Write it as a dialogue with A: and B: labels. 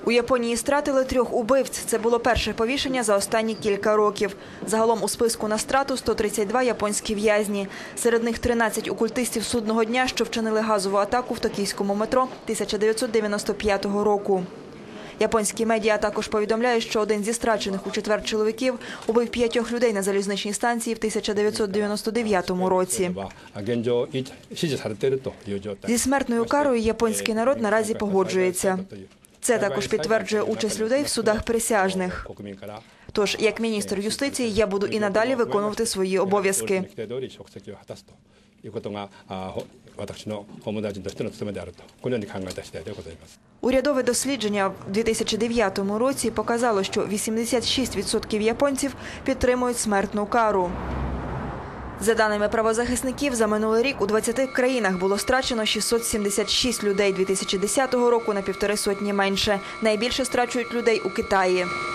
A: У Японії стратили 3 убивць. Це було перше повішення за останні кілька років. Загалом у списку на страту 132 японські в'язні. Серед них 13 окультистів судного дня, що вчинили газову атаку в токійському метро 1995 року. Японські медіа також повідомляють, що один зі страчених у четвер чоловіків убив 5 людей на залізничній станції в 1999 році. Зі смертною карою японський народ наразі погоджується. Це також підтверджує участь людей в судах присяжних. Тож, як міністр юстиції, я буду і надалі виконувати свої обов'язки. Урядове дослідження в 2009 році показало, що 86% японців підтримують смертну кару. За даними правозахисників, за минулий рік у 20 країнах було страчено 676 людей, 2010 року на 1,5 сотні менше. Найбільше страчують людей у Китаї.